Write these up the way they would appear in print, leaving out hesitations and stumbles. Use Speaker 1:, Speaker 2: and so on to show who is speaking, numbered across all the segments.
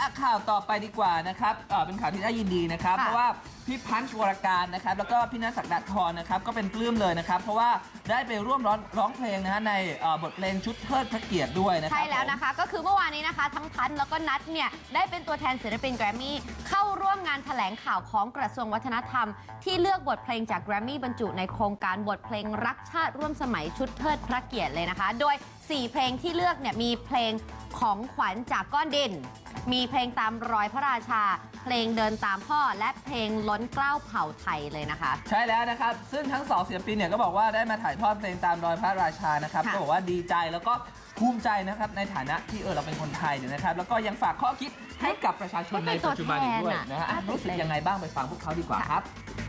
Speaker 1: ข่าวต่อไปดีกว่านะครับเป็นข่าวที่น่ายินดีนะครับเพราะว่าพี่พันช์วรการนะครับแล้วก็พี่ณศักดาธรนะครับก็เป็นปลื้มเลยนะครับเพราะว่าได้ไปร่วมร้องเพลงนะฮะในบทเพลงชุดเทิดพระเกียรติด้วยนะครับ
Speaker 2: ใช่แล้วนะคะก็คือเมื่อวานนี้นะคะทั้งพันแล้วก็นัทเนี่ยได้เป็นตัวแทนศิลปินแกรมมี่เข้าร่วมงานแถลงข่าวของกระทรวงวัฒนธรรมที่เลือกบทเพลงจากแกรมมี่บรรจุในโครงการบทเพลงรักชาติร่วมสมัยชุดเทิดพระเกียรติเลยนะคะโดย4เพลงที่เลือกเนี่ยมีเพลงของขวัญจากก้อนดินมีเพลงตามรอยพระราชาเพลงเดินตามพ่อและเพลงล้นเกล้าเผ่าไทยเลยนะคะ
Speaker 1: ใช่แล้วนะครับซึ่งทั้ง2ศิลปินเนี่ยก็บอกว่าได้มาถ่ายทอดเพลงตามรอยพระราชานะครับก็บอกว่าดีใจแล้วก็ภูมิใจนะครับในฐานะที่เราเป็นคนไทยเนี่ยนะครับแล้วก็ยังฝากข้อคิดให้กับประชาชนในปัจจุบันอีกด้วยนะฮะรู้สึกยังไงบ้างไปฟังพวกเขาดีกว่าครับ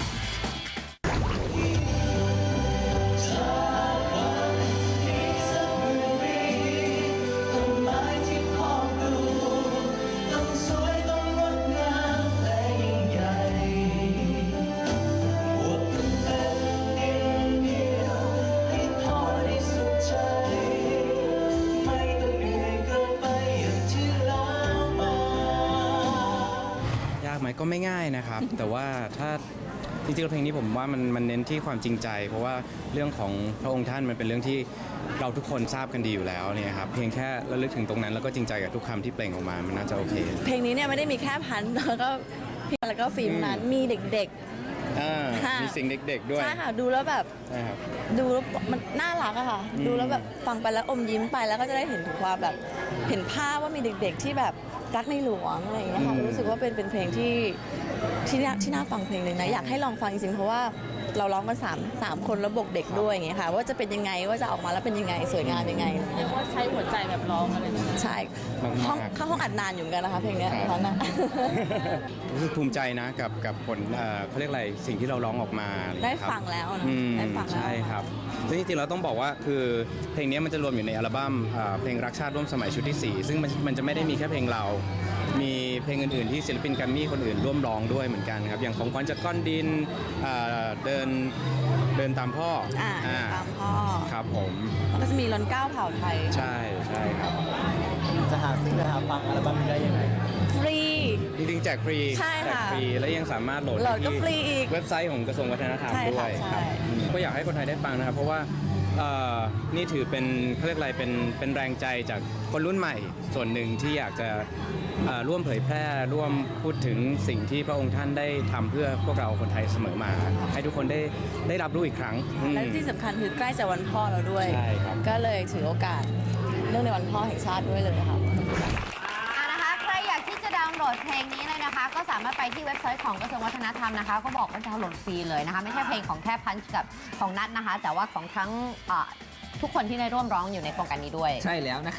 Speaker 3: ไหมก็ไม่ง่ายนะครับ แต่ว่าถ้าจริงๆเพลงนี้ผมว่ามันเน้นที่ความจริงใจเพราะว่าเรื่องของพระองค์ท่านมันเป็นเรื่องที่เราทุกคนทราบกันดีอยู่แล้วเนี่ยครับเพียงแค่ระลึกถึงตรงนั้นแล้วก็จริงใจกับทุกคำที่เปล่งออกมามันน่าจะโอเค
Speaker 4: เพลงนี้เนี่ยไม่ได้มีแค่พันแล้วก็พี่แล้วก็ฟิล์มนั้นมีเด็ก
Speaker 3: ๆมีสิ่งเด็กๆด้วย
Speaker 4: ใช่ค่ะดูแล้วแบบ
Speaker 3: ใช่ครับ
Speaker 4: ดูแล้วมันน่ารักอะค่ะดูแล้วแบบฟังไปแล้วอมยิ้มไปแล้วก็จะได้เห็นถึงความแบบเห็นภาพว่ามีเด็กๆที่แบบรักในหลวงอะไรอย่างเงี้ยค่ะรู้สึกว่าเป็นเพลงที่น่าฟังเพลงหนึ่งนะอยากให้ลองฟังจริงๆเพราะว่าเราร้องกัน3คนแล้วบวกเด็กด้วยอย่างเงี้ยค่ะว่าจะเป็นยังไงว่าจะออกมาแล้วเป็นยังไงสวยงามยังไง
Speaker 5: เรียกว่าใช้หัวใจแบบร้องอะไร
Speaker 4: ใช่เข้าห้องอัดนานอยู่กันนะคะเพลงนี้ตอนนั้น
Speaker 3: รู้สึกภูมิใจนะกับผลเขาเรียกอะไรสิ่งที่เราร้องออกมา
Speaker 4: ได้ฟังแล้วนะได้ฟัง
Speaker 3: ใช่ครับซึ่งจริงๆเราต้องบอกว่าคือเพลงนี้มันจะรวมอยู่ในอัลบั้มเพลงรักชาติร่วมสมัยชุดที่4ซึ่งมันจะไม่ได้มีแค่เพลงเรามีเพลงอื่นๆที่ศิลปินแกรมมี่คนอื่นร่วมร้องด้วยเหมือนกันครับอย่างของขวัญจากก้อนดินเดินตามพ่อ
Speaker 4: ตามพ่อ
Speaker 3: ครับผม
Speaker 4: ก็จะมีล้นเกล้าเผ่าไทย
Speaker 3: ใช่ครับ
Speaker 6: จะหาซื้อหาฟังอัลบั้มนี้ได้ยังไง
Speaker 4: ฟรี
Speaker 3: จริงๆแจกฟรี
Speaker 4: ใช่ค่ะ
Speaker 3: ฟรีและยังสามารถโหลด
Speaker 4: ก็ฟรีอีก
Speaker 3: เว็บไซต์ของกระทรวงวัฒนธรรมด้วยครับก็อยากให้คนไทยได้ฟังนะครับเพราะว่านี่ถือเป็นเขาเรียกอะไรเป็นแรงใจจากคนรุ่นใหม่ส่วนหนึ่งที่อยากจะร่วมเผยแพร่ร่วมพูดถึงสิ่งที่พระองค์ท่านได้ทำเพื่อพวกเราคนไทยเสมอมาให้ทุกคนได้รับรู้อีกครั้ง
Speaker 4: และที่สำคัญคือใกล้จะวันพ่อเราด้วยก็เลยถือโอกาสเนื่องในวันพ่อแห่งชาติด้วยเลยค่ะ
Speaker 2: ใครอยากที่จะดาวน์โหลดเพลงนี้เลยนะคะก็สามารถไปที่เว็บไซต์ของกระทรวงวัฒนธรรมนะคะก็บอกว่าดาวน์โหลดฟรีเลยนะคะไม่ใช่เพลงของแค่พันช์กับของนัทนะคะแต่ว่าของทั้งทุกคนที่ได้ร่วมร้องอยู่ในโครงการนี้ด้วย
Speaker 1: ใช่แล้วนะคะ